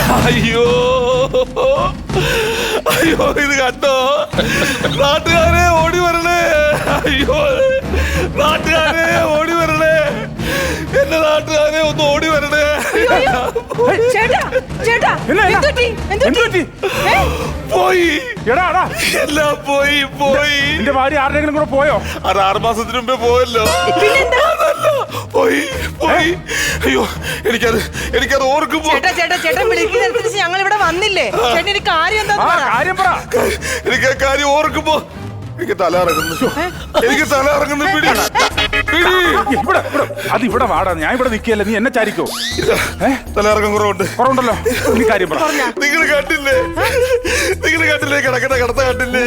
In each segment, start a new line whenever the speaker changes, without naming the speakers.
അയ്യോ അയ്യോ, ഇത് കണ്ടോ? നാട്ടുകാരെ ഓടി വരണേ! അയ്യോ, നാട്ടുകാരെ ഓടി വരണേ! എന്റെ നാട്ടുകാരെ ഒന്ന് ഓടി വരണേ! പോയി എല്ലാം പോയി.
എന്റെ ഭാര്യ ആരുടെങ്കിലും കൂടെ പോയോ?
അത് 6 മാസത്തിന് മുമ്പേ പോയല്ലോ. പോയി. അയ്യോ, എനിക്കത് ഓർക്കുമ്പോ
ഞങ്ങൾ ഇവിടെ വന്നില്ലേ? കാര്യം
എനിക്ക് ആ കാര്യം ഓർക്കുമ്പോ എനിക്ക് തല ഇറങ്ങുന്നു.
അത് ഇവിടെ വാടാ, ഞാൻ ഇവിടെ നിൽക്കല്ലേ, നീ എന്നെ ചാരിക്കോ?
തല ഇറക്കം കുറവുണ്ടല്ലോ.
നീ കാര്യം പറ.
നിങ്ങൾ കണ്ടില്ലേ കിടക്കണ കിടത്ത കണ്ടില്ലേ?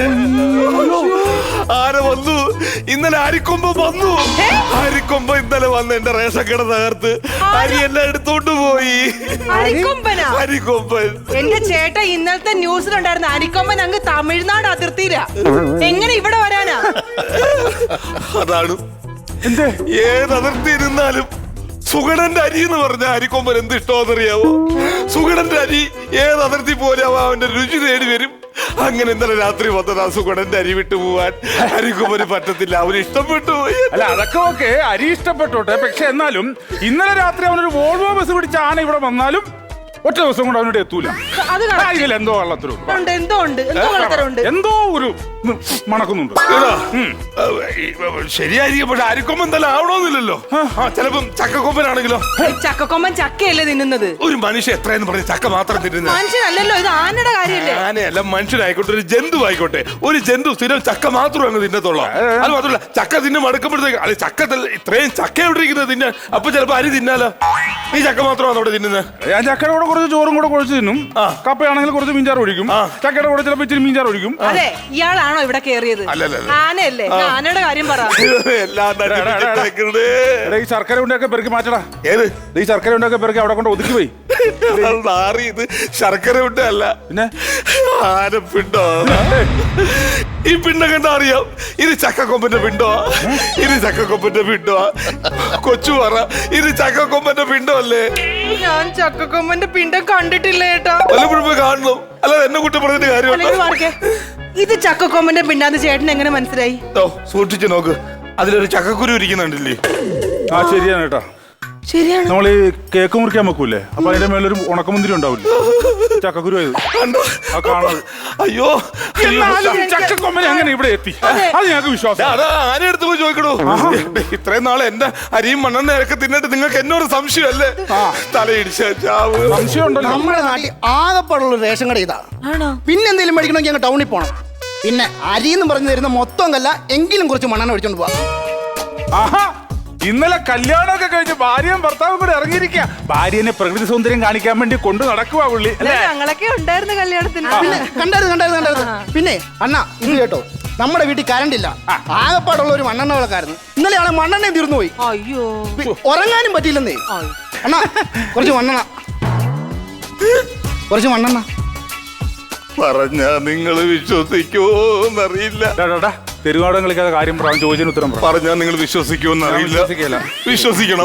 ആന വന്നു ഇന്നലെ, അരിക്കൊമ്പൻ വന്നു. അരിക്കൊമ്പൻ ഇന്നലെ വന്ന് എന്റെ റേഷൻ കട തകർത്ത് അരി എല്ലാം എടുത്തോണ്ട് പോയി. അരിക്കൊമ്പൻ
എന്റെ ചേട്ടൻ ഇന്നലത്തെ ന്യൂസിലുണ്ടായിരുന്ന അരിക്കൊമ്പൻ അങ്ങ് തമിഴ്നാട് അതിർത്തിയില. എങ്ങനെ ഇവിടെ വരാനാ?
അതാണ് ഏത് അതിർത്തി ഇരുന്നാലും സുഗണന്റെ അരി എന്ന് പറഞ്ഞ അരിക്കൊമ്പൻ എന്ത് ഇഷ്ടമാണെന്നറിയാവോ? സുഗണന്റെ അരി ഏത് അതിർത്തി പോലെയാവോ അവന്റെ രുചി തേടി വരും. അങ്ങനെ ഇന്നലെ രാത്രി വന്നത് ആ സുഗണന്റെ അരി വിട്ടു പോവാൻ അരിക്കൊമ്പന് പറ്റത്തില്ല. അവന് ഇഷ്ടപ്പെട്ടു പോയി.
അല്ല, അതൊക്കെ ഓക്കെ, അരി ഇഷ്ടപ്പെട്ടോട്ടെ. പക്ഷെ എന്നാലും ഇന്നലെ രാത്രി അവനൊരു വോൾവോ ബസ് പിടിച്ച ആന ഇവിടെ വന്നാലും ഒറ്റ ദിവസം കൊണ്ട് അവനോട് എത്തൂല. എന്തോ എന്തോ ഒരു മണക്കുന്നുണ്ട്.
ശരിയായിരിക്കും, പക്ഷെ അരിക്കൊമ്പൻ തന്നെ ആവണമെന്നില്ലല്ലോ. ചിലപ്പം ചക്കക്കൊമ്പനാണെങ്കിലോ?
ചക്കക്കൊമ്പൻ ചക്കയല്ലേ തിന്നുന്നത്?
ഒരു മനുഷ്യൻ എത്രയെന്ന് പറഞ്ഞ് ചക്ക മാത്രം തിന്നുന്നത്
മനുഷ്യനല്ലല്ലോ. ഇത് ആനയുടെ കാര്യമല്ലേ?
ആനയല്ല, മനുഷ്യനായിക്കോട്ടെ, ഒരു ജന്തു ആയിക്കോട്ടെ. ഒരു ജന്തു സ്ഥിരം ചക്ക മാത്രം അങ്ങ് തിന്നത്തുള്ളൂ. അത് മാത്രമല്ല, ചക്ക തിന്നെ മടുക്കുമ്പോഴത്തേക്ക് അല്ലെ ചക്ക ഇത്രയും ചക്ക എവിടെ ഇരിക്കുന്നത് തിന്നാൻ? അപ്പൊ ചിലപ്പോ അരി തിന്നാലോ? നീ ചക്ക മാത്രമാണ് അവിടെ തിന്നുന്നത്.
ഞാൻ ചക്കയുടെ കൂടെ കുറച്ച് ചോറും കൂടെ കുഴച്ച് തിന്നും. കപ്പയാണെങ്കിൽ കുറച്ച് മീൻചാറ് ഒഴിക്കും. ചക്കയുടെ കൂടെ ചിലപ്പോൾ ഇച്ചിരി മീൻചാറ് ഒഴിക്കും.
അതെ, ഇയാളാണോ ഇവിടെ കേറിയത്? ആനയല്ലേ? ആനയുടെ കാര്യം പറ.
ഈ ശർക്കര ഉണ്ടൊക്കെ പെറുക്കി മാറ്റടാ.
ഏത്
ഈ ശർക്കര ഉണ്ടൊക്കെ പെറുക്കി അവിടെ കൊണ്ട് ഒതുക്കി പോയി.
ഇത് ശർക്കര ഉണ്ടല്ല, പിന്നെ ആനപ്പിണ്ടോ? ഈ പിണ്ടം കണ്ടാ അറിയാം ഇത് ചക്കക്കൊമ്പന്റെ പിണ്ടോ? ഇത് ചക്കക്കൊമ്പന്റെ പിണ്ടോ? കൊച്ചു പറ, ഇത് ചക്കക്കൊമ്പന്റെ പിണ്ടോ അല്ലേ?
ഞാൻ ചക്കക്കൊമ്പന്റെ പിണ്ടം കണ്ടിട്ടില്ല ചേട്ടാ.
വല്ലപ്പോഴും കാണണം, അല്ലാതെ എന്നെ കുറ്റം പറഞ്ഞിട്ട് കാര്യമുണ്ടോ?
ഇത് ചക്കക്കൊമ്പന്റെ പിണ്ടാന്ന് ചേട്ടൻ എങ്ങനെ മനസ്സിലായി?
സൂക്ഷിച്ചു നോക്ക്, അതിലൊരു ചക്കക്കുരു ഇരിക്കുന്നുണ്ടല്ലേ?
ആ, ശരിയാണ് കേട്ടാ.
ശരിയാണ്.
നമ്മൾ ഈ കേക്ക് മുറിക്കാൻ വെക്കൂലേ, അപ്പൊ അതിന്റെ മേലൊരു ഉണക്കമുന്തിരി ഉണ്ടാവില്ലേ? ചക്കക്കുരു
അയ്യോ,
ചക്കക്കൊമ്പനെ അങ്ങനെ ഇവിടെ എത്തി, അത് ഞങ്ങൾക്ക് വിശ്വാസം.
ആന എടുത്ത് പോയി ചോദിക്കണോ? ഇത്രയും നാളെ എന്റെ അരിയും മണ്ണെണ്ണ ഒക്കെ തിന്നിട്ട് നിങ്ങൾക്ക് എന്നോട് സംശയമല്ലേ? തലയിടിച്ച
സംശയം ഉണ്ടല്ലോ.
നമ്മുടെ നാട്ടിൽ ആകെപ്പാടുള്ള റേഷൻ കട ഇതാ. പിന്നെ എന്തെങ്കിലും മേടിക്കണമെങ്കിൽ ഞങ്ങൾ ടൗണിൽ പോകണം. പിന്നെ അരി എന്ന് പറഞ്ഞു തരുന്ന മൊത്തം കല്ല എങ്കിലും കുറച്ച് മണ്ണെണ്ണ ഒഴിച്ചോണ്ട് പോവാം.
ഇന്നലെ കല്യാണമൊക്കെ കഴിഞ്ഞ് ഭാര്യയും ഭർത്താവും കൂടെ ഇറങ്ങിയിരിക്കുക. ഭാര്യനെ പ്രകൃതി സൗന്ദര്യം കാണിക്കാൻ വേണ്ടി കൊണ്ടു നടക്കുക പുള്ളി.
ഞങ്ങളൊക്കെ ഉണ്ടായിരുന്നു കല്യാണത്തിന്.
കണ്ടായിരുന്നു. പിന്നെ അണ്ണാ, ഇത് കേട്ടോ, നമ്മുടെ വീട്ടിൽ കറണ്ട് ഇല്ല. ആകെപ്പാടുള്ള ഒരു മണ്ണെണ്ണ വിളക്കായിരുന്നു. ഇന്നലെയാണ് മണ്ണെണ്ണ തീർന്നു പോയി.
അയ്യോ,
ഉറങ്ങാനും പറ്റിയില്ലെന്നേ. അണ്ണാ, കുറച്ച് മണ്ണെണ്ണ
പറഞ്ഞ നിങ്ങൾ വിശ്വസിക്കുമോന്നറിയില്ല.
തെരുവാടം കളിക്കാതെ കാര്യം പറയാൻ ചോദിച്ചതിന് ഉത്തരം
പറഞ്ഞാൽ നിങ്ങൾ വിശ്വസിക്കുമെന്നറിയില്ല. വിശ്വസിക്കണം.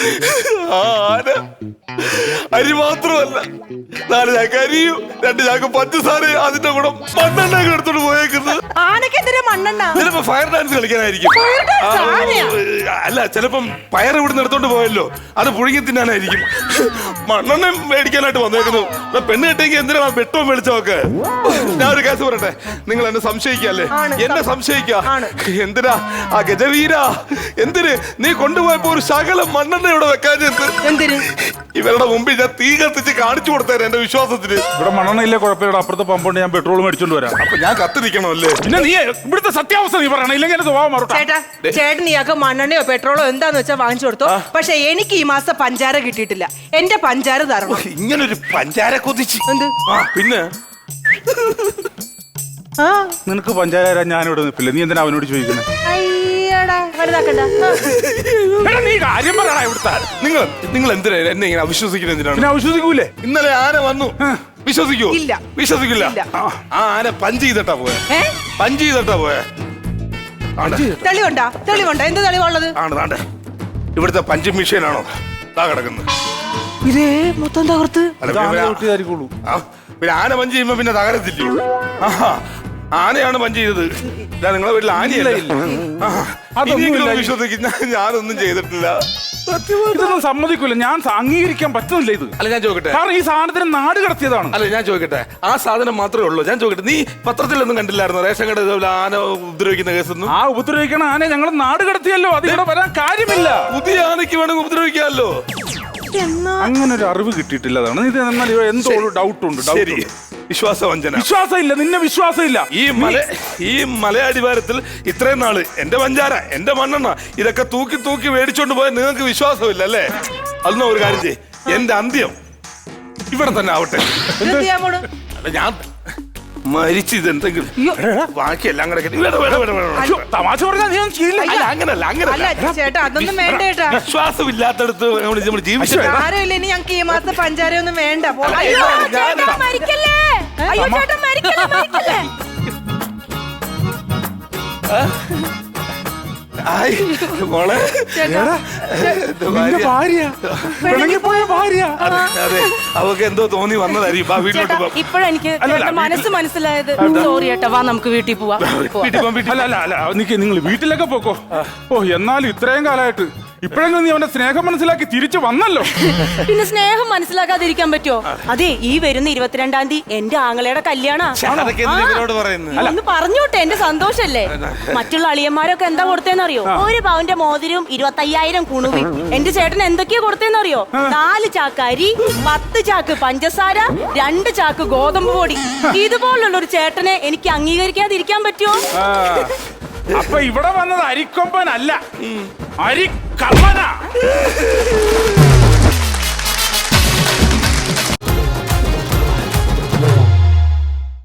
അരി മാത്രമല്ല, 4 ചാക്ക് അരിയും 2 ചാക്ക് പഞ്ചസാര, അതിന്റെ കൂടെ മണ്ണെണ്ണ എടുത്തോണ്ട് പോയേക്കുന്നത്. ചിലപ്പോ ഫയർ ഡാൻസ് കളിക്കാനായിരിക്കും. അല്ല, ചിലപ്പം പയർ ഇവിടുന്ന് എടുത്തോണ്ട് പോയല്ലോ, അത് പുഴുങ്ങി തിന്നാനായിരിക്കും. മണ്ണെണ്ണ മേടിക്കാനായിട്ട് വന്നേക്കുന്നു. പെണ്ണ് കെട്ടിയെങ്കിൽ എന്തിനാ വെട്ടവും വെളിച്ചമൊക്കെ? ഞാൻ ഒരു കേസ് പറയട്ടെ, നിങ്ങൾ എന്നെ സംശയിക്കല്ലേ? എന്നെ സംശയിക്ക. എന്തിനാ ആ ഗജവീര, എന്തിന് നീ കൊണ്ടുപോയപ്പോ ഒരു ശകലം മണ്ണെണ്ണ ഇവിടെ വെക്കാൻ? എന്തിന്? ഇവരുടെ മുമ്പിൽ ഞാൻ തീ കത്തിച്ച് കാണിച്ചു കൊടുത്തേരെ എന്റെ വിശ്വാസത്തിന്.
ഇവിടെ മണ്ണെണ്ണ ഇല്ലേ, കുഴപ്പമില്ല. അപ്പുറത്തെ പമ്പുണ്ട്, ഞാൻ പെട്രോൾ മേടിച്ചോണ്ട് വരാം.
അപ്പൊ ഞാൻ കത്തിരിക്കണമല്ലേ?
പിന്നെ നീ ഇവിടുത്തെ സത്യാവസ്ഥ നീ പറയണം, ഇല്ലെങ്കിൽ
ചേട്ടൻ ഇയാൾക്ക് മണ്ണെണ്ണയോ പെട്രോളോ എന്താന്ന് വെച്ചാൽ വാങ്ങിച്ചു കൊടുത്തോ. പക്ഷെ എനിക്ക് ഈ മാസം പഞ്ചാര കിട്ടിയിട്ടില്ല. എന്റെ പഞ്ചാര തരണം.
ഇങ്ങനൊരു പഞ്ചാര കൊതിച്ച്
എന്ത്?
പിന്നെ
നിനക്ക് പഞ്ചാര ഞാനിവിടെ നിൽപ്പില്ല, നീ എന്തിനാ അവനോട് ചോദിക്കുന്നത്?
നീ കാര്യം പറയണ ഇവിടുത്തെ. നിങ്ങൾ എന്തിനാ എന്നെ ഇങ്ങനെ അവിശ്വസിക്കുന്നത്? എന്തിനാണ്?
അവിശ്വസിക്കൂലേ?
ഇന്നലെ ആന വന്നു, വിശ്വസിക്കൂ? വിശ്വസിക്കില്ല. ആ ആന പഞ്ച് ചെയ്തിട്ടാ പോയെ.
തെളിവുണ്ടോ? എന്ത് തെളിവുള്ളത്?
ഇവിടുത്തെ പഞ്ച് മെഷീനാണോ കിടക്കുന്നത്?
ഇതേ മൊത്തം തകർത്ത്.
അല്ല,
ഇത് ആന
പിന്നെ-
ചവിട്ടിയതായിരിക്കുള്ളൂ.
പിന്നെ ആന പഞ്ച് ചെയ്യുമ്പോ പിന്നെ തകരത്തില്ലയോ? ആഹാ, ആനയാണ് പഞ്ച് ചെയ്തത്. ഇതാ നിങ്ങളെ വീട്ടിൽ ആനയല്ല.
അതൊന്നും
ഇനിയെങ്കിലും
ഇല്ല.
വിശ്വസിക്കുന്ന ഞാനൊന്നും ചെയ്തിട്ടില്ല.
ഇതൊന്നും സമ്മതിക്കൂല. ഞാൻ അംഗീകരിക്കാൻ പറ്റുന്നില്ല ഇത്.
അല്ല ഞാൻ ചോദിക്കട്ടെ,
കാരണം ഈ സാധനത്തിന് നാട് കടത്തിയതാണ്.
അല്ല ഞാൻ ചോദിക്കട്ടെ, ആ സാധനം മാത്രമേ ഉള്ളൂ. ഞാൻ ചോദിക്കട്ടെ, നീ പത്രത്തിലൊന്നും കണ്ടില്ലായിരുന്നു റേഷൻ കട ഇതുപോലെ ആന ഉപദ്രവിക്കുന്ന കേസൊന്നും?
ആ ഉപദ്രവിക്കണ ആനെ ഞങ്ങൾ നാട് കടത്തിയല്ലോ. അത് ഇവിടെ വരാൻ കാര്യമില്ല.
പുതിയ ആനയ്ക്ക് വേണമെങ്കിൽ ഉപദ്രവിക്കാമല്ലോ.
അങ്ങനെ ഒരു അറിവ് കിട്ടിയിട്ടില്ല. അതാണ് ഇത്. എന്നാൽ എന്തോ ഒരു ഡൗട്ട് ഉണ്ട്.
ശരി, വിശ്വാസവഞ്ചന.
വിശ്വാസമില്ല, നിന്നെ വിശ്വാസമില്ല.
ഈ മലയടിവാരത്തിൽ ഇത്രയും നാള് എന്റെ പഞ്ചാര, എന്റെ മണ്ണെണ്ണ ഇതൊക്കെ തൂക്കി തൂക്കി മേടിച്ചോണ്ട് പോയാൽ നിങ്ങൾക്ക് വിശ്വാസമില്ല അല്ലേ? അതൊന്നും ഒരു കാര്യം ചെയ്യ്, എന്റെ അന്ത്യം ഇവിടെ തന്നെ ആവട്ടെ.
എന്ത് ചെയ്യാൻ പോണു?
അല്ല ഞാൻ മരിച്ചു ഇതെന്തെങ്കിലും ബാക്കിയെല്ലാം കൂടെ കെട്ടി- വേണ്ട, വേണ്ട, വേണ്ട, വേണ്ട.
അയ്യോ, തമാശ പറഞ്ഞാൽ നീ ഒന്നും ചെയ്യില്ല.
അല്ല അങ്ങനല്ല,
അല്ല
അങ്ങനല്ല.
ചേട്ടാ, അതൊന്നും വേണ്ട ചേട്ടാ.
വിശ്വാസമില്ലാത്തടത്ത് നമ്മൾ ജീവിച്ചു.
ആരുമില്ല, ഇനി ഞങ്ങൾക്ക് ഈ മാസത്തെ പഞ്ചാര ഒന്നും വേണ്ട. പോട്ടെ.
അയ്യോ,
ചേട്ടാ, മരിക്കല്ലേ. അയ്യോ ചേട്ടാ, മരിക്കല്ലേ, മരിക്കല്ലേ.
ആയ്, മോളെ.
ചേട്ടാ,
എന്റെ
നിന്റെ
ഭാര്യ.
ഭാര്യ, പിണങ്ങിപ്പോയ ഭാര്യ.
അതെ, അതെ, അവക്ക് എന്തോ തോന്നി വന്നതായിരിക്കും. വാ, വീട്ടിലോട്ട് പോവാം.
ഇപ്പോഴെനിക്ക് മനസ്സ് മനസ്സിലായത്. സോറി ചേട്ടാ, വാ നമുക്ക് വീട്ടിൽ പോവാം.
വീട്ടിൽ പോവാം, വീട്ടിൽ.
അല്ല അല്ല അല്ല, നിങ്ങൾ വീട്ടിലൊക്കെ പോക്കോ. ഓ, എന്നാലും ഇത്രയും കാലമായിട്ട് ഇപ്പോഴെങ്കിലും നീ അവന്റെ സ്നേഹം മനസ്സിലാക്കി തിരിച്ചു വന്നല്ലോ.
പിന്നെ സ്നേഹം മനസ്സിലാക്കാതിരിക്കാൻ പറ്റുമോ? അതെ, ഈ വരുന്ന 22-ാം തീയതി എന്റെ ആങ്ങളയുടെ കല്യാണ.
അതൊക്കെ എന്തിനാ ഇവരോട് പറയുന്നത്?
ഒന്ന് പറഞ്ഞോട്ടെ, എന്റെ സന്തോഷല്ലേ. മറ്റുള്ള അളിയന്മാരൊക്കെ എന്താ കൊടുത്തേന്നറിയോ? 1 പവന്റെ മോതിരവും 25,000 കുണുവും. എന്റെ ചേട്ടൻ എന്തൊക്കെയാ കൊടുത്തേന്നറിയോ? 4 ചാക്ക് അരി, 10 ചാക്ക് പഞ്ചസാര, 2 ചാക്ക് ഗോതമ്പ് പൊടി. ഇതുപോലുള്ള ഒരു ചേട്ടനെ എനിക്ക് അംഗീകരിക്കാതിരിക്കാൻ പറ്റുമോ?
അപ്പൊ ഇവിടെ വന്നത് അരിക്കൊമ്പനല്ല, അരിക്കള്ളനാ.